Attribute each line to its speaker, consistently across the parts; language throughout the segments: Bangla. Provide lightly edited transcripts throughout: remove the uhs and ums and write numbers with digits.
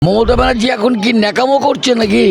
Speaker 1: মমতা ব্যানার্জি এখন কি ন্যাকামো করছে নাকি?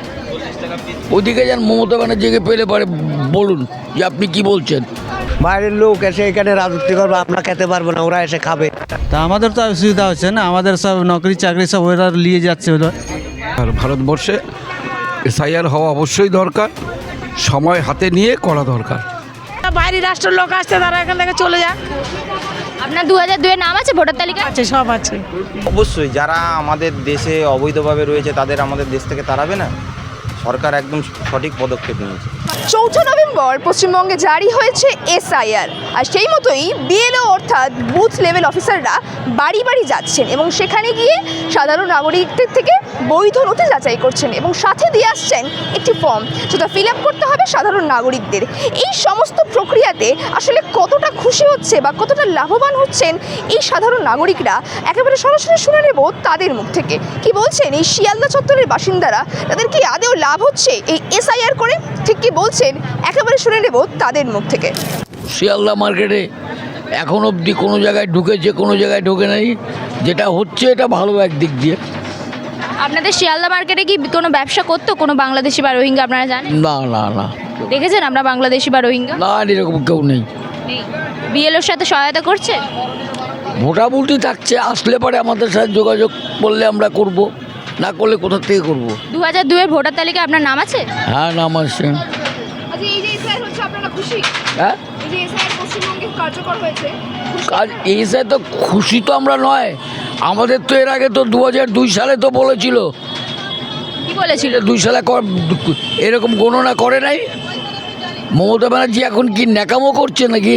Speaker 1: ওইদিকে যান, মমতা ব্যানার্জিকে পেলে পারে বলুন যে আপনি কি বলছেন।
Speaker 2: বাইরের লোক এসে এখানে রাজত্ব করবে, আমরা খেতে পারবো না, ওরা এসে খাবে।
Speaker 3: তা আমাদের তো অসুবিধা হচ্ছে না, আমাদের সব নকরি চাকরি সব ওরা নিয়ে যাচ্ছে।
Speaker 4: আর ভারতবর্ষে এসআইআর হওয়া অবশ্যই দরকার, সময় হাতে নিয়ে করা দরকার।
Speaker 5: বাইরের রাষ্ট্রের লোক আসছে, তারা এখান থেকে চলে যাক।
Speaker 6: আপনার 2002 নাম আছে ভোটার তালিকা?
Speaker 5: আছে, সব আছে।
Speaker 7: অবশ্যই যারা আমাদের দেশে অবৈধভাবে রয়েছে তাদের আমাদের দেশ থেকে তাড়াবে না। সরকার একদম সঠিক পদক্ষেপ নিয়েছে।
Speaker 8: 4 নভেম্বর পশ্চিমবঙ্গে জারি হয়েছে এসআইআর, আর সেই মতোই বিএলও অর্থাৎ বুথ লেভেল অফিসাররা বাড়ি বাড়ি যাচ্ছেন এবং সেখানে গিয়ে সাধারণ নাগরিকদের থেকে বৈধ নথি যাচাই করছেন এবং সাথে দিয়ে আসছেন একটি ফর্ম, যেটা ফিল আপ করতে হবে সাধারণ নাগরিকদের। এই সমস্ত প্রক্রিয়াতে আসলে কতটা খুশি হচ্ছে বা কতটা লাভবান হচ্ছেন এই সাধারণ নাগরিকরা, একেবারে সরাসরি শুনে নেব তাদের মুখ থেকে। কি বলছেন এই শিয়ালদা চত্বরের বাসিন্দারা, তাদের কি আদেও লাভ হচ্ছে এই এসআইআর করে? ঠিক কি বলছেন একেবারে শুনে নেব তাদের মুখ থেকে।
Speaker 1: শিয়ালদা মার্কেটে এখন অবধি কোনো জায়গায় ঢুকেছে, কোনো জায়গায় ঢোকে নাই। যেটা হচ্ছে এটা ভালো একদিক দিয়ে।
Speaker 6: আপনাদের শিয়ালদা মার্কেটে কি কোনো ব্যবসা করতো কোনো বাংলাদেশি বা রোহিঙ্গা, আপনারা জানেন?
Speaker 1: না না না
Speaker 6: দেখেছেন আমরা বাংলাদেশি বা রোহিঙ্গা?
Speaker 1: না, এরকম কেউ নেই।
Speaker 6: বিএলওর সাথে সহায়তা করছে?
Speaker 1: মোটামুটি থাকছে, আসলে পরে আমাদের সাথে যোগাযোগ করলে আমরা করব, না করলে কোথা থেকে করব।
Speaker 6: 2002 ভোটার তালিকায় আপনার নাম আছে?
Speaker 1: হ্যাঁ, নাম আছে।
Speaker 8: আচ্ছা, এই যে এসআইআর হচ্ছে, আপনারা খুশি?
Speaker 1: হ্যাঁ,
Speaker 8: এই যে এসআইআর পশ্চিমবঙ্গে কার্যকর হয়েছে,
Speaker 1: কাজ এসে তো খুশি তো আমরা নয়। আমাদের তো এর আগে তো 2002 সালে তো বলেছিল,
Speaker 6: কি বলেছিল?
Speaker 1: 2 সালে এরকম গণনা করে নাই। মমতা ব্যানার্জি এখন কি ন্যাকামো করছে নাকি?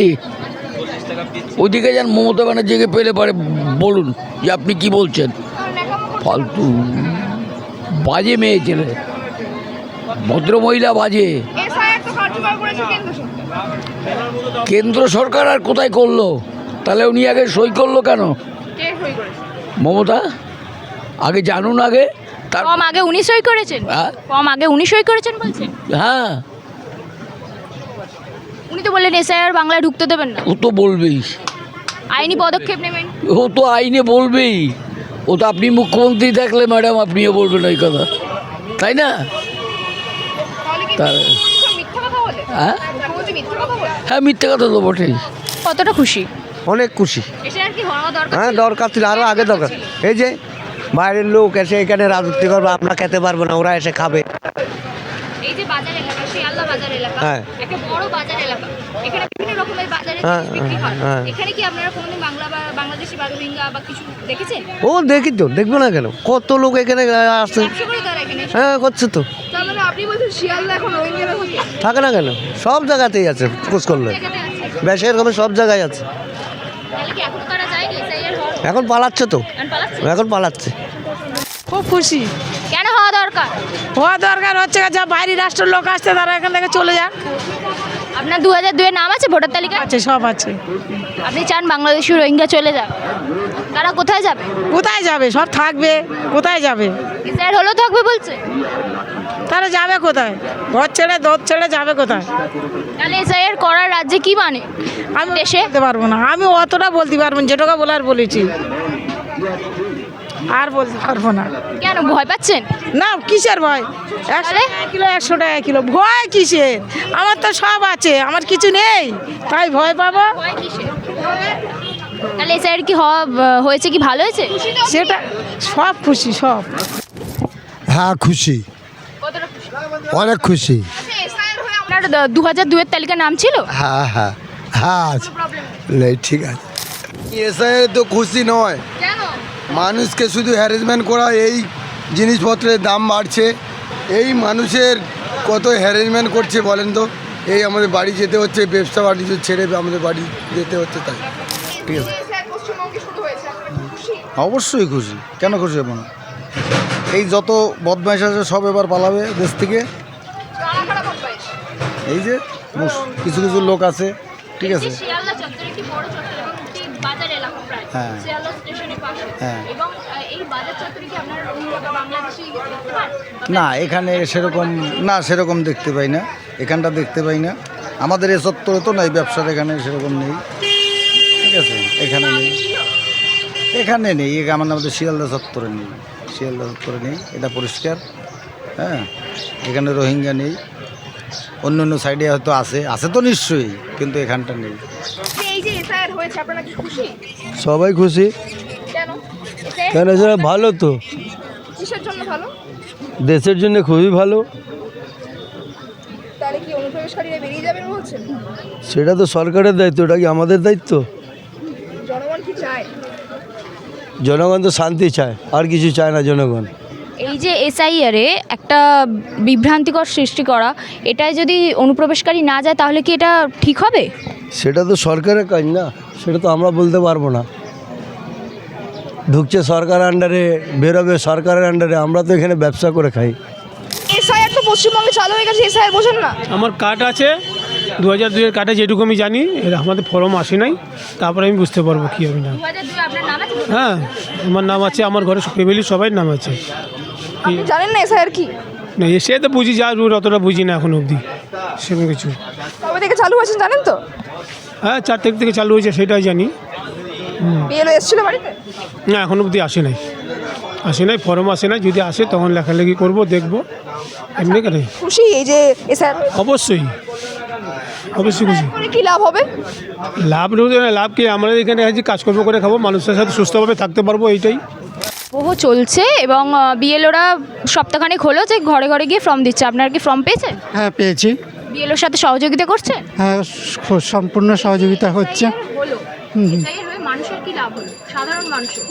Speaker 1: ওইদিকে যান, মমতা ব্যানার্জিকে পেলে পারে বলুন যে আপনি কি বলছেন। ফালতু বাজে মেয়ে ছেলে, ভদ্র মহিলা বাজে।
Speaker 8: এসআইআর তো কার্যকর করেছে কেন্দ্র সরকার।
Speaker 1: কেন্দ্র সরকার আর কোথায় করলো? তাহলে উনি আগে সই করলো কেন?
Speaker 8: কে সই করেছে?
Speaker 1: মমতা আগে জানুন, আগে তার।
Speaker 6: ফর্ম আগে উনি সই করেছেন?
Speaker 1: হ্যাঁ
Speaker 6: ফর্ম আগে উনি সই করেছেন বলছেন?
Speaker 1: হ্যাঁ,
Speaker 6: উনি তো বললেন এসআইআর বাংলায় ঢুকতে দেবেন না,
Speaker 1: ও তো বলবেই,
Speaker 6: আইনি পদক্ষেপ নেবেন।
Speaker 1: ও তো আইনে বলবেই। ও তো আপনি মুখ্যমন্ত্রী থাকলে ম্যাডাম আপনিও বলবেন ওই কথা, তাই না?
Speaker 8: তাহলে কি সব মিথ্যা কথা বলে?
Speaker 1: হ্যাঁ
Speaker 8: মুখ্যমন্ত্রী মিথ্যা কথা বলে?
Speaker 1: হ্যাঁ, মিথ্যে কথা তো বটেই।
Speaker 6: কতটা খুশি?
Speaker 2: অনেক খুশি।
Speaker 6: এসআইআর কি হওয়া দরকার?
Speaker 2: হ্যাঁ, দরকার ছিল, আরও আগে দরকার। এই যে বাইরের লোক এসে এখানে রাজত্ব করবে, আমরা খেতে পারবো না, ওরা এসে খাবে।
Speaker 6: এই যে বাজার এলাকা, শিয়ালদা বাজার এলাকা,
Speaker 2: হ্যাঁ।
Speaker 6: একটা বড় বাজার এলাকা, এখানে বিভিন্ন রকমের বাজারে
Speaker 2: হ্যাঁ,
Speaker 6: জিনিস বিক্রি হয়।
Speaker 2: হ্যাঁ।
Speaker 6: এখানে কি আপনারা কোনোদিন বাংলা বা বাংলাদেশি বা রোহিঙ্গা বা কিছু দেখেছেন?
Speaker 2: ও দেখি তো, দেখবো না কেন? কত লোক এখানে আসছে।
Speaker 6: ব্যবসা করে তারা এখানে?
Speaker 2: হ্যাঁ, করছে তো।
Speaker 8: তার মানে আপনি বলছেন শিয়ালদা এখন রোহিঙ্গারা থাকে?
Speaker 2: থাকে না কেন? সব জায়গাতেই আছে, খোঁজ করলে
Speaker 6: জায়গাতে আছে।
Speaker 2: বেশি এরকমের সব জায়গায় আছে।
Speaker 6: তাহলে কি এখনো তারা যায়নি এসআইআর হওয়ার?
Speaker 2: এখন পালাচ্ছে তো,
Speaker 6: এখন পালাচ্ছে?
Speaker 2: এখন পালাচ্ছে।
Speaker 5: খুব খুশি।
Speaker 6: কেন হওয়া দরকার?
Speaker 5: হওয়া দরকার হচ্ছে, যা বাইরের রাষ্ট্রের লোক আসছে, তারা এখান থেকে চলে যাক।
Speaker 6: আপনার 2002 নাম আছে ভোটার তালিকা?
Speaker 5: আছে, সব আছে।
Speaker 6: আপনি চান বাংলাদেশি রোহিঙ্গা চলে যাক? তারা কোথায় যাবে?
Speaker 5: কোথায় যাবে? সব থাকবে, কোথায় যাবে?
Speaker 6: এসআইআর হলেও থাকবে বলছে?
Speaker 5: তারা যাবে কোথায়? ঘর ছেড়ে দোর ছেড়ে যাবে কোথায়?
Speaker 6: তাহলে এসআইআর করার রাজ্যে কি মানে?
Speaker 5: আমি
Speaker 6: দেশে?
Speaker 5: বলতে পারবো না, আমি অতটা বলতে পারবো না, যেটুকু বলার বলেছি, আর বলতে পারবো না।
Speaker 6: কেন ভয় পাচ্ছেন?
Speaker 5: না, কিসের ভয়? 100
Speaker 6: তাহলে?
Speaker 5: টাকা কিলো, 100 টাকা কিলো, ভয় কিসের? আমার তো সব আছে, আমার কিছু নেই, তাই ভয় পাবো?
Speaker 6: ভয় কিসের? তাহলে এসআইআর কি হয়েছে, কি ভালো হয়েছে?
Speaker 5: সেটা সব খুশি, সব।
Speaker 9: হ্যাঁ, খুশি,
Speaker 6: কতটা খুশি?
Speaker 9: অনেক খুশি।
Speaker 8: আচ্ছা, এসআইআর হয়ে
Speaker 6: আপনার 2002 তালিকা নাম ছিল?
Speaker 9: হ্যাঁ হ্যাঁ হ্যাঁ, আছে। নেই, ঠিক আছে। এসআইআর তো খুশি নয়,
Speaker 8: কেন?
Speaker 9: মানুষকে শুধু হ্যারাসমেন্ট করা। এই জিনিসপত্রের দাম বাড়ছে, এই মানুষের কত হ্যারাসমেন্ট করছে বলেন তো। এই আমাদের বাড়ি যেতে হচ্ছে, ব্যবসা বাণিজ্য ছেড়ে আমাদের বাড়ি যেতে হচ্ছে, তাই। ঠিক আছে,
Speaker 8: এসআইআর পশ্চিমবঙ্গে শুরু হয়েছে, আপনারা কি খুশি?
Speaker 9: অবশ্যই খুশি, কেন খুশি হবো না? এই যত বদমাইশ আছে সব এবার পালাবে দেশ থেকে।
Speaker 8: কারা কারা বদমাইশ?
Speaker 9: এই যে কিছু কিছু লোক আছে, ঠিক আছে।
Speaker 6: শিয়ালদা চত্বর একটি বড় চত্বর এবং একটি বাজার এলাকা প্রায়
Speaker 9: হ্যাঁ।
Speaker 6: শিয়ালদা স্টেশনের পাশে।
Speaker 9: হ্যাঁ।
Speaker 6: এবং এই বাজার চত্বরে কি আপনারা রোহিঙ্গা বা বাংলাদেশি দেখতে পান?
Speaker 9: না, এখানে সেরকম না, সেরকম দেখতে পাই না, এখানটা দেখতে পাই না। আমাদের এ চত্বরে তো নাই, ব্যবসার এখানে সেরকম নেই, ঠিক আছে। এখানে নেই, এখানে নেই, আমাদের শিয়ালদা চত্বরে নেই।
Speaker 10: শিয়ালদা করে নেই, এটা পরিষ্কার। হ্যাঁ, এখানে রোহিঙ্গা নেই, অন্য অন্য সাইডে হয়তো আছে তো নিশ্চয়ই, কিন্তু এখানটা নেই।
Speaker 8: এই যে এসআইআর হয়েছে আপনারা কি খুশি?
Speaker 2: সবাই খুশি।
Speaker 8: কেন?
Speaker 2: কেন সেটা ভালো তো,
Speaker 8: কিসের জন্য ভালো?
Speaker 2: দেশের জন্য খুবই ভালো।
Speaker 8: তাহলে কি অনুপ্রবেশকারীরা বেরিয়ে যাবেন বলছেন?
Speaker 2: সেটা তো সরকারের দায়িত্ব, ওটা কি আমাদের দায়িত্ব?
Speaker 8: জনগণ কি চায়?
Speaker 2: জনগণ তো শান্তি চায়, আর কিছু চায় না জনগণ।
Speaker 6: এই যে এসআইআরে একটা বিভ্রান্তিকর সৃষ্টি করা, এটায় যদি অনুপ্রবেশকারী না যায় তাহলে কি এটা ঠিক হবে?
Speaker 2: সেটা তো সরকারের কাজ না, সেটা তো আমরা বলতে পারবো না। ঢুকছে সরকার আন্ডারে, বেরোবে সরকারের আন্ডারে, আমরা তো এখানে ব্যবসা করে খাই।
Speaker 8: এসআইআর তো পশ্চিমবঙ্গে চালু হয়ে গেছে, এসআইআর বোঝেন না?
Speaker 11: আমার কার্ড আছে 2002-এর কার্ডে, যেটুকু আমি জানি, এর আমাদের ফর্ম আসে নাই, তারপরে আমি বুঝতে পারবো কী হবে না।
Speaker 6: 2002 আপনার নাম আছে?
Speaker 11: হ্যাঁ, আমার নাম আছে, আমার ঘরে ফ্যামিলির সবাই নাম আছে।
Speaker 8: আপনি জানেন না এসআইআর কি?
Speaker 11: না, সে তো বুঝি, যা অতটা বুঝি না এখন অবধি সেরকম কিছু।
Speaker 8: কবে থেকে চালু হয়েছে জানেন তো?
Speaker 11: হ্যাঁ, 4 তারিখ থেকে চালু হয়েছে, সেটাই জানি।
Speaker 8: বিএলও এসেছিল বাড়িতে?
Speaker 11: না, এখন অবধি আসে নাই, ফর্ম আসে নাই। যদি আসে তখন লেখালেখি করবো, দেখবো। এমনি কেন?
Speaker 8: খুশি এই যে এসআইআর?
Speaker 11: অবশ্যই খুশি।
Speaker 8: করে কি লাভ হবে?
Speaker 11: লাভ কি, আমরা এখানে কাজকর্ম করে খাবো, মানুষের সাথে সুস্থভাবে থাকতে পারবো, এইটাই।
Speaker 6: বহু চলছে এবং বিএলওরা সপ্তাহখানেক হলো যে ঘরে ঘরে গিয়ে ফর্ম দিচ্ছে। আপনারা কি ফর্ম পেয়েছেন?
Speaker 3: হ্যাঁ, পেয়েছি।
Speaker 6: বিএলওর সাথে সহযোগিতা করছেন?
Speaker 3: হ্যাঁ, সম্পূর্ণ সহযোগিতা হচ্ছে।
Speaker 6: হলো। এসআইআর হয়ে মানুষের কি লাভ হলো, সাধারণ মানুষের?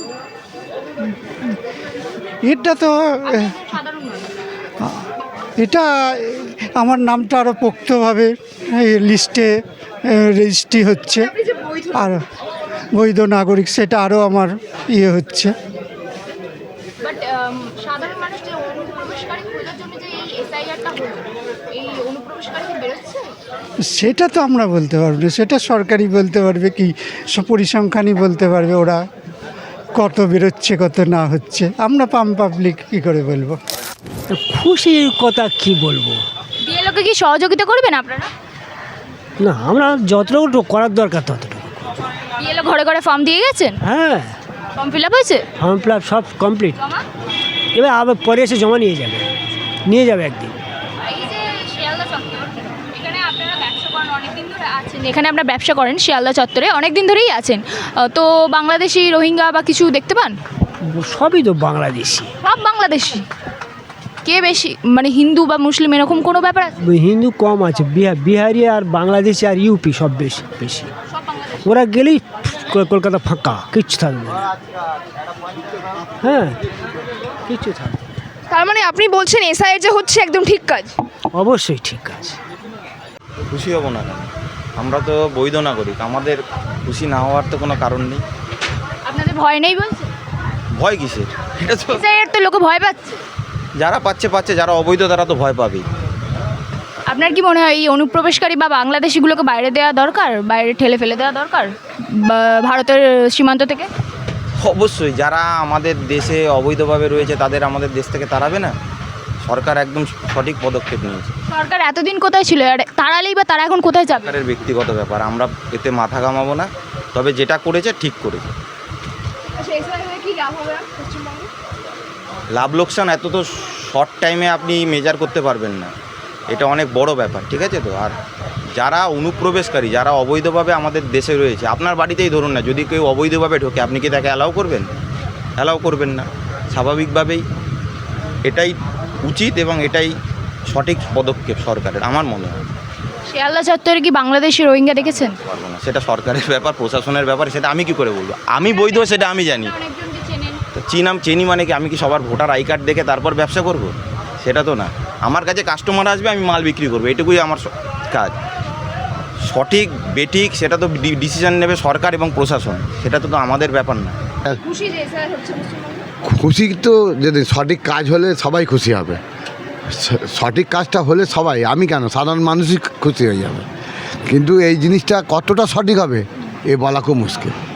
Speaker 3: এটা তো
Speaker 6: সাধারণ মানুষ
Speaker 3: এটা আমার নামটা আরও পোক্তভাবে লিস্টে রেজিস্ট্রি হচ্ছে, আর বৈধ নাগরিক সেটা আরও আমার হচ্ছে।
Speaker 6: বাট সাধারণ মানুষ যে অনুপ্রবেশকারী খোঁজার জন্য যে এই এসআইআরটা হলো, এই অনুপ্রবেশকারী কি বেরোচ্ছে?
Speaker 3: সেটা তো আমরা বলতে পারবো না, সেটা সরকারই বলতে পারবে, কি পরিসংখ্যানই বলতে পারবে ওরা কত বেরোচ্ছে কত না হচ্ছে। আমরা পাবলিক কী করে বলবো?
Speaker 12: খুশির কথা কি বলবো?
Speaker 6: বিএলওকে কি সহযোগিতা করবেন আপনারা?
Speaker 12: না, আমরা যতটুকু করার দরকার ততটুকু।
Speaker 6: বিএলও ঘরে ঘরে ফর্ম দিয়ে গেছেন?
Speaker 12: হ্যাঁ,
Speaker 6: ফর্ম ফিল আপ হয়েছে?
Speaker 12: ফর্ম ফিল আপ সব কমপ্লিট।
Speaker 6: জমা?
Speaker 12: এবার আবার পরে এসে জমা নিয়ে যাবে একদিন।
Speaker 6: এই যে শিয়ালদা চত্বর, এখানে আপনারা ব্যবসা করেন অনেকদিন ধরে আছেন, এখানে আপনারা ব্যবসা করেন শিয়ালদা চত্বরে অনেক দিন ধরেই আছেন, তো বাংলাদেশি, রোহিঙ্গা বা কিছু দেখতে পান?
Speaker 12: সবই তো বাংলাদেশি।
Speaker 6: সব বাংলাদেশি? কে বেশি, মানে হিন্দু বা মুসলিম এরকম কোনো ব্যাপার আছে?
Speaker 12: হিন্দু কম আছে, বিহারি আর বাংলাদেশি আর ইউপি সব বেশি।
Speaker 6: সব বাংলাদেশি?
Speaker 12: ওরা গেলেই কলকাতা ফাঁকা, কিচ্ছু থাকবে না। হ্যাঁ, কিচ্ছু থাকবে।
Speaker 8: তার মানে আপনি বলছেন এসআইআর যে হচ্ছে একদম ঠিক কাজ?
Speaker 12: অবশ্যই ঠিক কাজ।
Speaker 7: খুশি হব না কেন? আমরা তো বৈধ নাগরিক, আমাদের খুশি না হওয়ার তো কোনো কারণ নেই।
Speaker 6: আপনাদের ভয় নেই বলছে?
Speaker 7: ভয় কিসের? এটা তো
Speaker 6: এসআইআর তো লোকে ভয় পাচ্ছে।
Speaker 7: যারা পাচ্ছে, যারা অবৈধ তারা তো ভয় পাবেই।
Speaker 6: আপনার কি মনে হয় এই অনুপ্রবেশকারী বা বাংলাদেশিগুলোকে বাইরে দেওয়া দরকার, বাইরে ঠেলে ফেলে দেওয়া দরকার ভারতের সীমান্ত থেকে?
Speaker 7: অবশ্যই, যারা আমাদের দেশে অবৈধভাবে রয়েছে তাদের আমাদের দেশ থেকে তাড়াবে না। সরকার একদম সঠিক পদক্ষেপ নিয়েছে।
Speaker 6: সরকার এতদিন কোথায় ছিল, আর তাড়ালেই বা তারা এখন কোথায় যাবে?
Speaker 7: সরকারের ব্যক্তিগত ব্যাপার, আমরা এতে মাথা ঘামাবো না। তবে যেটা করেছে ঠিক করেছে। লাভ লোকসান এত তো শর্ট টাইমে আপনি মেজার করতে পারবেন না, এটা অনেক বড় ব্যাপার, ঠিক আছে তো। আর যারা অনুপ্রবেশকারী, যারা অবৈধভাবে আমাদের দেশে রয়েছে, আপনার বাড়িতেই ধরুন না, যদি কেউ অবৈধভাবে ঢোকে আপনি কি তাকে অ্যালাউ করবেন? অ্যালাউ করবেন না। স্বাভাবিকভাবেই এটাই উচিত এবং এটাই সঠিক পদক্ষেপ সরকারের, আমার মনে হয়।
Speaker 6: শিয়ালদা চত্বরে কি বাংলাদেশি, রোহিঙ্গা দেখেছেন?
Speaker 7: পারবো না, সেটা সরকারের ব্যাপার, প্রশাসনের ব্যাপার, সেটা আমি কি করে বলবো? আমি বৈধ সেটা আমি জানি। তো চিনি মানে কি আমি কি সবার ভোটার আই কার্ড দেখে তারপর ব্যবসা করব? সেটা তো না। আমার কাছে কাস্টমার আসবে, আমি মাল বিক্রি করবো, এটুকুই আমার কাজ। সঠিক বেঠিক সেটা তো ডিসিশন নেবে সরকার এবং প্রশাসন, সেটা তো আমাদের ব্যাপার না।
Speaker 9: খুশি তো, যদি সঠিক কাজ হলে সবাই খুশি হবে। সঠিক কাজটা হলে সবাই, আমি কেন, সাধারণ মানুষই খুশি হয়ে যাবে। কিন্তু এই জিনিসটা কতটা সঠিক হবে এ বলা খুব মুশকিল।